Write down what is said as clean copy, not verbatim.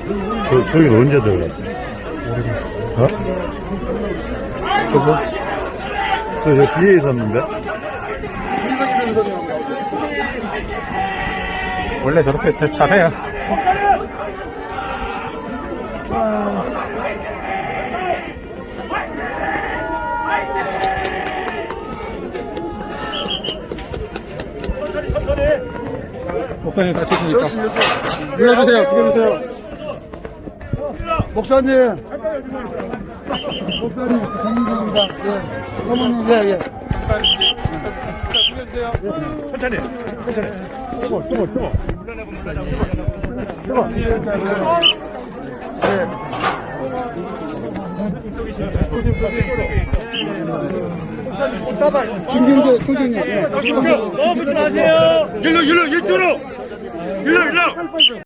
저기는 언제 들어갔어? 어? 저거? 저 뒤에 있었는데? 원래 저렇게 잘해요. 목사님 다치시니까 불러주세요. 불러주세요. 목사님 정민입니다. 예. 사모님, 예, 예. 불러주세요. 천천히. 김경재 소장님. 예. 너무 붙지 마세요. 일로, 이쪽으로. 일로.